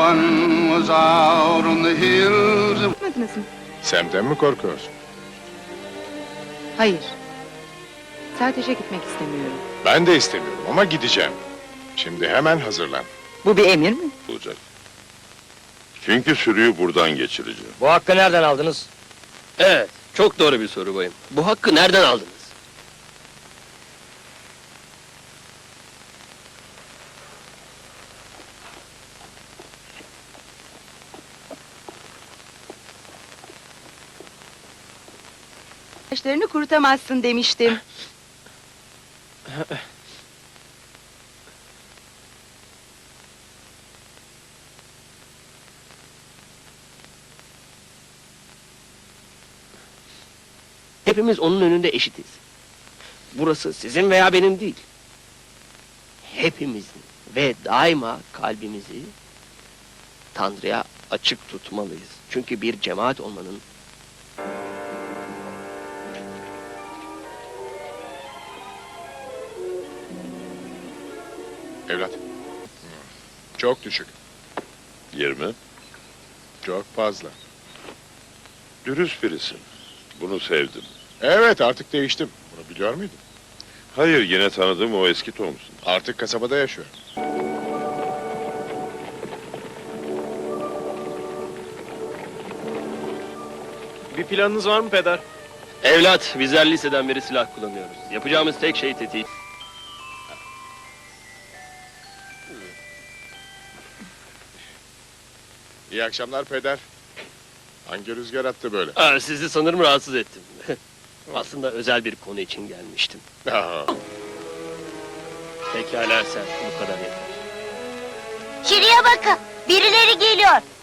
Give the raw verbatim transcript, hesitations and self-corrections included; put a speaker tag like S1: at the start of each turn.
S1: one was out on the hills.
S2: Yapmadınız mı?
S3: Sem'den mi korkuyorsun?
S2: Hayır. Sadece gitmek istemiyorum.
S3: Ben de istemiyorum ama gideceğim. Şimdi hemen hazırlan.
S2: Bu bir emir mi?
S4: Olacak. Çünkü sürüyü buradan geçireceğim.
S5: Bu hakkı nereden aldınız?
S6: Evet, çok doğru bir soru bayım. Bu hakkı nereden aldınız?
S2: Saçlarını kurutamazsın demiştim.
S6: Hepimiz onun önünde eşitiz. Burası sizin veya benim değil. Hepimizin ve daima kalbimizi Tanrı'ya açık tutmalıyız. Çünkü bir cemaat olmanın
S3: Evlat. Çok düşük.
S4: Yirmi.
S3: Çok fazla.
S4: Dürüst birisin. Bunu sevdim.
S3: Evet, artık değiştim. Bunu biliyor muydun?
S4: Hayır, yine tanıdığım o eski Tom'sun.
S3: Artık kasabada yaşıyor.
S7: Bir planınız var mı peder?
S6: evlat, bizler liseden beri silah kullanıyoruz. Yapacağımız tek şey tetik.
S3: İyi akşamlar peder. Hangi rüzgar attı böyle?
S6: Aa, sizi sanırım rahatsız ettim. Aslında özel bir konu için gelmiştim.
S3: Aa,
S6: Pekala sen, bu kadar yeter.
S8: Şuraya bakın, birileri geliyor.